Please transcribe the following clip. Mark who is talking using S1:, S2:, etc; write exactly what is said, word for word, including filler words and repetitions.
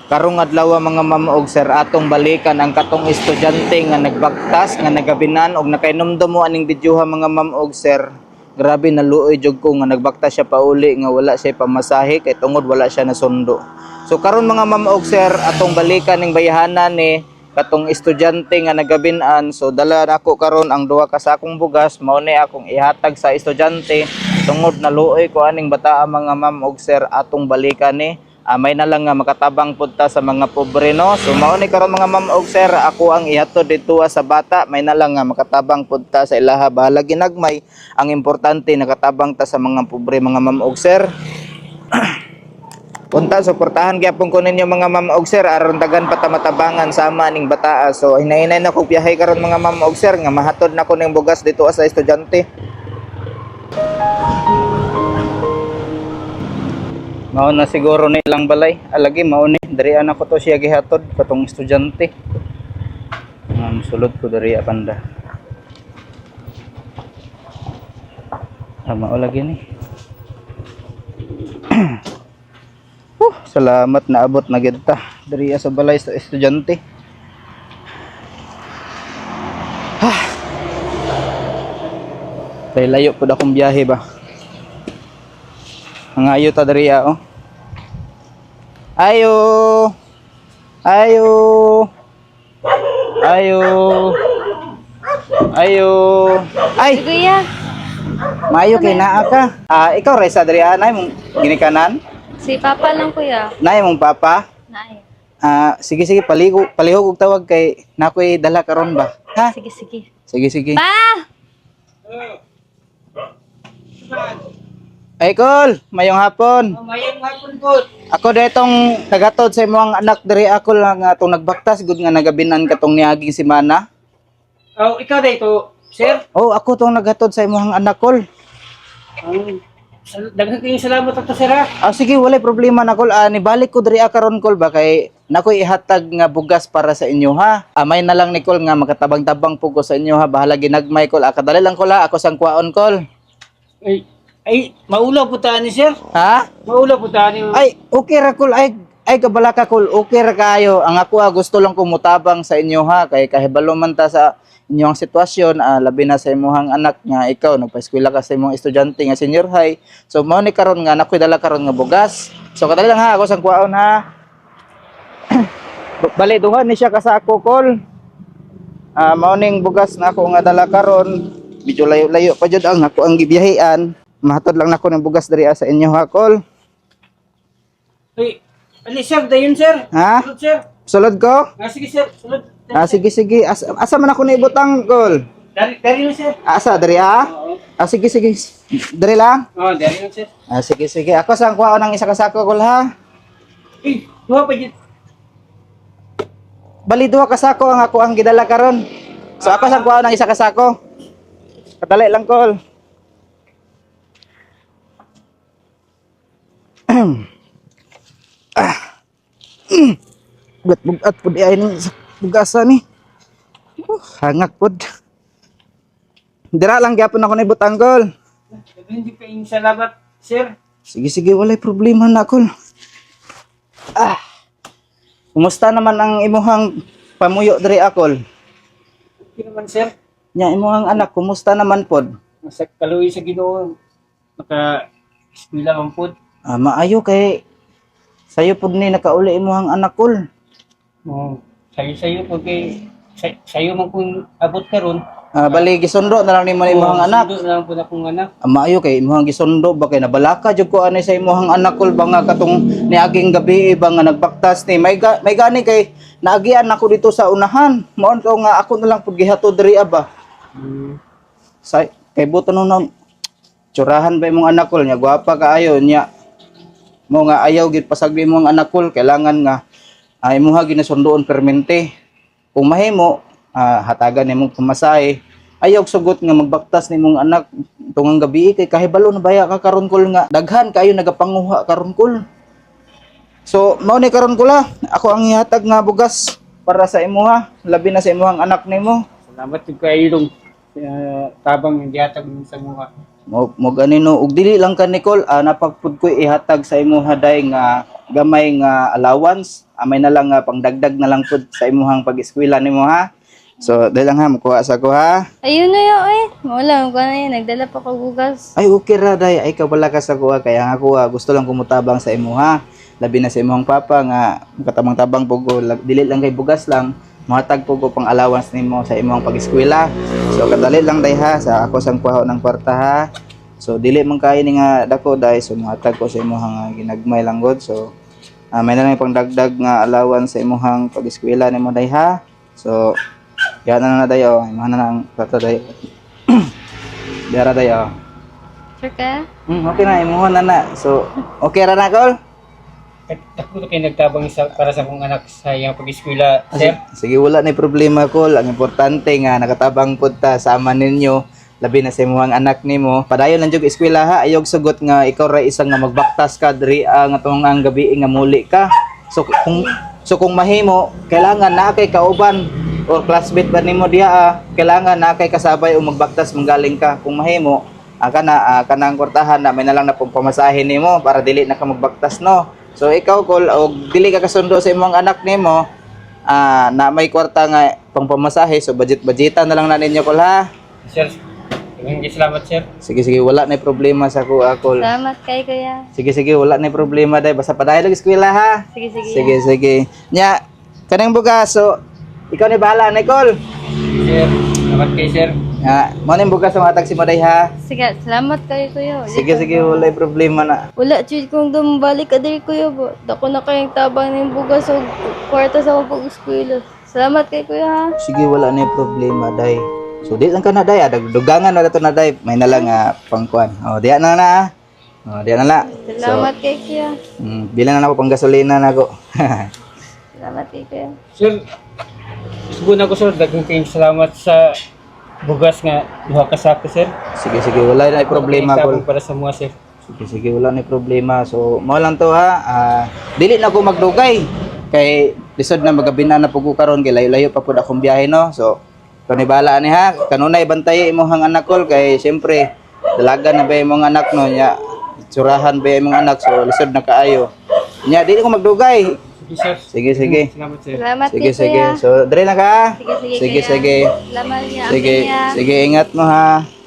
S1: Karong adlaw mga ma'am og sir atong balikan ang katong estudyante nga nagbaktas nga nagabinan og nakainomdom mo aning videoha mga ma'am og sir. Grabe naluoy jud ko nga nagbaktas siya pauli nga wala siya pamasahe kay tungod wala siya nasundo. So karon mga ma'am og sir atong balikan ning bayahanan ni katong estudyante nga nagabinan. So dala nako karon ang duha ka sakong bugas mao ni akong ihatag sa estudyante tungod naluoy ko aning bataa mga ma'am og sir atong balikan ni. Uh, may na lang nga makatabang punta sa mga pobre no. So mao ni karon mga ma'am og sir ako ang ihatod dito sa bata may na lang nga makatabang punta sa ilaha bahala ginagmay ang importante nakatabang ta sa mga pobre mga ma'am og sir. Punta suportahan gyapon ko ninyo mga ma'am og sir aron dagan pa ta matabangan sama ning bata. So hinahinay na ko biyahe karon mga ma'am og sir nga mahatod na ko ning bugas dito sa estudyante. Mao na siguro ni ilang balay. Alagi mao ni diri ana ko to siya gihatod katong estudyante. Um, sulod ko diri apanda. Ah, mao lagi ni. uh, salamat na abot na gid ta diri sa balay sa estudyante. Ah. Kay layo pud akong biyahe ba. Ang ayo ta diri oh. Ayo. Ayo. Ayo. Ayo. Ay.
S2: Kuya.
S1: Mayo kay naa ka. Ah, ikaw resa diri anay mong ginikanan?
S2: Si Papa lang kuya.
S1: Nay mong papa?
S2: Nay.
S1: Ah, sige sige paligo palihog og tawag kay nakoy dala karon ba? Ha?
S2: Sige, sige.
S1: Sige sige.
S2: Pa!
S1: Ay Kol, mayong hapon.
S3: Oh, mayong hapon po.
S1: Ako detong tagatod sa imong anak diri ako lang atong nagbaktas gud nga nagabinan katong niaging semana.
S3: Oh, ikaw dito, sir.
S1: Oh, ako tong naghatod sa imong anak Kol.
S3: Um, daghan kayong salamat ato, sir. Ha?
S1: Ah sige, walay problema na Kol. Ah, nibalik ko diri karon Kol ba kay nakoy ihatag nga bugas para sa inyo ha. Amay na lang ni Kol nga makatabang-tabang pugo sa inyo ha. Bahala ginagmay Kol. Ah, kadali lang Kol ha. Ako sang kuwaon Kol.
S3: Ay, ay, maulaw po tayo ni sir.
S1: Ha?
S3: Maulaw po tayo ni...
S1: Ay, okay ra Kol. Ay, ay kabala ka Kol. Okay ra kayo. Ang ako ah, gusto lang kumutabang sa inyo ha. Kay kahibalo man ta sa inyong sitwasyon, ah, labi na sa imong anak nga ikaw nagpa-eskwela ka sa imong estudyante nga senior high. So mao ni karon nga nakoy dala karon nga bugas. So kadali lang ha, ako sang kuwaon ha. Bali duha ni siya kasako Kol. Ah, mao ning bugas na ako nga dala karon. Medyo layo-layo pa jud ang ako ang gibiyahean. Mahatod lang nako ng bugas diri sa inyo ha Kol.
S3: Ay, ali sir, dayon sir.
S1: Ha?
S3: Sulod, sir.
S1: Sulod ko?
S3: Ah, sige sir, sulod.
S1: Ah, sige sige. As asa man ako naibutang Kol?
S3: Dari, dari lang sir.
S1: Asa diri ha?
S3: Oo.
S1: Ah, sige sige. Diri lang.
S3: Oh, dari lang sir.
S1: Ah, sige sige. Ako sang kuha ng isa ka sako Kol ha.
S3: Eh, duha pa dyan.
S1: Bali duha ka sako ang ako ang gidala karon. So ako sang kuha ng isa ka sako. Kadali lang Kol. ah. Bugat-bugat pud ay ning bugasa ni. Uh, hangak pud. Dira lang gyapon ako ni butang Kol.
S3: Daghan di kayong salamat, sir.
S1: Sige sige walay problema na Kol. Ah. Kumusta naman ang imuhang pamuyo diri Kol?
S3: Okay naman, sir.
S1: Nya imuhang anak kumusta naman pod?
S3: Nasa kaluwi sa Ginoo. Naka-eskwela man po.
S1: Ah, maayo kay sayo pud ni nakauli imuhang anak Kol.
S3: Oh, sayo-sayo po kay... Say, sayo man kung abot karon.
S1: Ah, bali gisundo na lang nimo ni imuhang anak.
S3: Sundo na lang po na kong anak.
S1: Ah, maayo kay imuhang gisundo ba kay nabalaka jud ko ani sa imuhang anak Kol ba nga katong niaging gabi ba nga nagbaktas ni may ga, may gani kay naagian ako dito sa unahan. Maon ko nga ako na lang pud gihatod diri ba.
S3: Hmm.
S1: Sa kay buto nung tsurahan ba imong anak Kol nya gwapa kaayo nya mo nga ayaw gid pasagdi imong anak Kol kailangan nga ay imuha ginasundoon permente kung mahimo ah, hatagan nimong pamasahe ayaw sugot nga magbaktas nimong anak tungang gabi kay kahibalo na baya ka karon Kol nga daghan kayo nagapanguha karon Kol. So mao ni karon Kol ha ako ang ihatag nga bugas para sa imuha labi na sa imuhang anak nimo.
S3: Salamat yung kailong uh, tabang yung dihatag mo sa mga.
S1: Mo mo ganino ug dili lang ka Nicole ah, napagpud ko ihatag sa imo haday nga gamay nga allowance, amay na lang nga pangdagdag na lang pud sa imuhang pag-eskwela nimo ha. So, dahil lang ha, makuha sa ko ha.
S2: Ayun na yun eh. Wala, ko na yun. Nagdala pa ko bugas.
S1: Ay, okay ra day. Ay, kabala ka sa kuha. Kaya nga kuha, gusto lang kumutabang sa imo ha. Labi na sa imong papa nga, katabang-tabang po ko. Dili lang kay bugas lang. Muhatag po ko pang allowance nimo sa imong pag-eskwela. So, kadali lang day ha. Sa ako sang kuha ng kwarta ha. So, dili man kayo ni nga dako day. So, muhatag ko sa imong ginagmay lang god. So, ah, may na lang pang dagdag nga allowance sa imong pag-eskwela nimo day ha. So, yan na na dayo. Imahan na lang kwarta day. Dara dayo.
S2: Sure ka?
S1: Hmm, okay na, imuha na na. So, okay ra na, Col?
S3: Ako kayo nagtabang sa, para sa kong anak sa iyang pag-eskwela, sir.
S1: Sige, wala na problema, Col. Ang importante nga, nakatabang po ta, sama ninyo. Labi na sa imuhang anak nimo. Padayon lang jud eskwela ha. Ayog sugot nga ikaw ra isang nga magbaktas ka diri ah, nga tong ang gabi nga muli ka. So kung so kung mahimo, kailangan na kay kauban or classmate ba nimo diha ah, kailangan na kay kasabay o magbaktas manggaling ka. Kung mahimo, aka na ah, kanang kwartahan na may na lang na pong pamasahe nimo para dili na ka magbaktas no. So ikaw Col, og dili ka kasundo sa imong anak nimo, ah, na may kwarta nga pang pamasahe, so budget-budgetan na lang na ninyo Col ha.
S3: Sir, maraming salamat, sir.
S1: Sige sige, wala na problema sa kuha Col.
S2: Salamat kay kuya.
S1: Sige sige, wala na problema day, basta padayon lang eskwela ha.
S2: Sige, sige.
S1: Sige sige. Nya, kanang bugas so ikaw ni bahala Nicole.
S3: Sir, salamat kay sir.
S1: Ah, mo ning bugas sa mga taxi mo day ha.
S2: Sige, salamat kay kuya.
S1: Sige sige, wala problema na.
S2: Wala, chud kung dumabalik ka diri kuya ba. Dako na kayong tabang ng bugas o kwarta sa akong pag-eskwela. Salamat kay kuya ha.
S1: Sige, wala na problema day. So di lang ka na day, ah, dugangan na dato na day, may na lang ah, pangkuan. Oh, diya na na. ah. Oh, diya na na.
S2: Salamat kay kuya.
S1: Mm, bilang na ako pang gasolina na ko.
S2: Salamat kay kuya.
S3: Sir, subukan ako, sir. Daghang kayong salamat sa bugas nga duha ka sako, sir.
S1: Sige sige, wala na problema
S3: Tabang
S1: ko.
S3: para sa mga, sir.
S1: Sige sige, wala na problema. So, mo lang to ha. Ah, dili na ko magdugay. Kay lisod na magabinan na pug ko karon kay layo-layo pa pud akong biyahe no. So, kani bala ni ha. Kanunay bantay imong anak Col kay syempre dalaga na ba imong anak no nya. Tsurahan ba imong anak so lisod na kaayo. Nya dili ko magdugay.
S3: Sige, sir.
S1: Sige sige.
S3: Salamat, sir.
S2: Salamat
S1: Sige
S2: kay
S1: sige.
S2: kuya.
S1: So, dire na ka.
S2: Sige, sige,
S1: Sige
S2: kuya.
S1: sige.
S2: Salamat niya.
S1: Sige,
S2: kuya.
S1: sige ingat mo ha.